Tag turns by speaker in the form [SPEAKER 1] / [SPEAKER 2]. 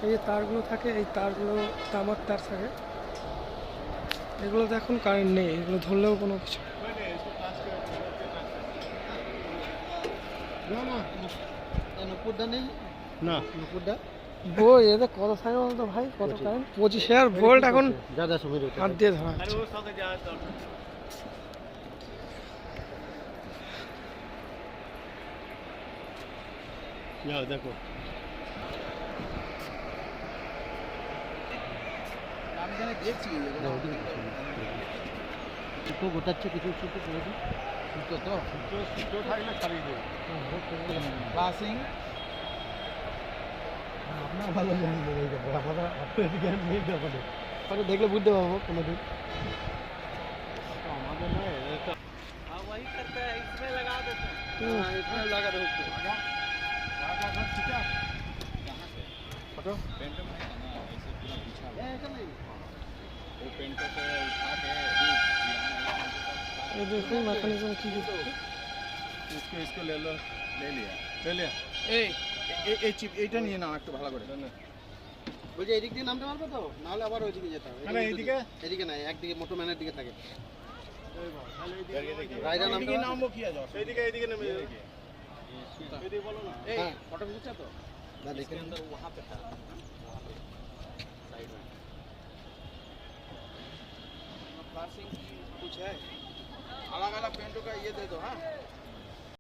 [SPEAKER 1] এই যে তারগুলো থাকে, এই তারগুলো তামার তার থাকে, এগুলোতে এখন কারেন্ট নেই, এগুলো ধরলেও কোনো কিছু
[SPEAKER 2] না
[SPEAKER 1] বই এতে কত থাকে বলতো ভাই, কত কারেন্ট? 25,000 ভোল্ট এখন হাত দিয়ে ধরা হচ্ছে।
[SPEAKER 2] যাও দেখো
[SPEAKER 3] দুটো গোটাচ্ছে কিছু কিছু করে দিই। দুটো তো
[SPEAKER 2] সুতো থাকলে ছাড়িয়ে দেবো
[SPEAKER 3] ক্লাসিং আপনার ভালো জ্ঞান নেই, আমাদের আপনার জ্ঞান নেই ব্যাপারে, হয়তো দেখলে বুঝতে পারবো কোনোদিন।
[SPEAKER 2] আমাদের নয় এটা
[SPEAKER 3] वही करते हैं, इसमें लगा देते हैं।
[SPEAKER 2] इसमें लगा दो उसको ठीक है फोटो पेंट में है ना ऐसे पूरा बिछा हुआ
[SPEAKER 3] ऐसा नहीं
[SPEAKER 2] वो पेंट को उठा के
[SPEAKER 1] এই দেখুন মেকানিজম কি কিছু
[SPEAKER 2] इसको इसको ले लो ले लिया এই এই চিপ এইটা নিয়ে নাও একটু ভালো করে
[SPEAKER 3] বলছি এদিক দিয়ে নামতে পারবে তো, নাহলে আবার ওইদিকে যেতে হবে।
[SPEAKER 2] মানে এইদিকে
[SPEAKER 3] এদিকে না, একদিকে মোটর ম্যানের দিকে থাকে।
[SPEAKER 2] রাইডার নামতে নামবো কি আছে এইদিকে নেমে এইদিকে বলো না এই
[SPEAKER 3] হ্যাঁ।
[SPEAKER 2] ফটো खींचा तो
[SPEAKER 3] ना देखे
[SPEAKER 2] अंदर वहां पे था साइड में क्लासिंग कुछ है अलग अलग पेंटों का ये दे दो हाँ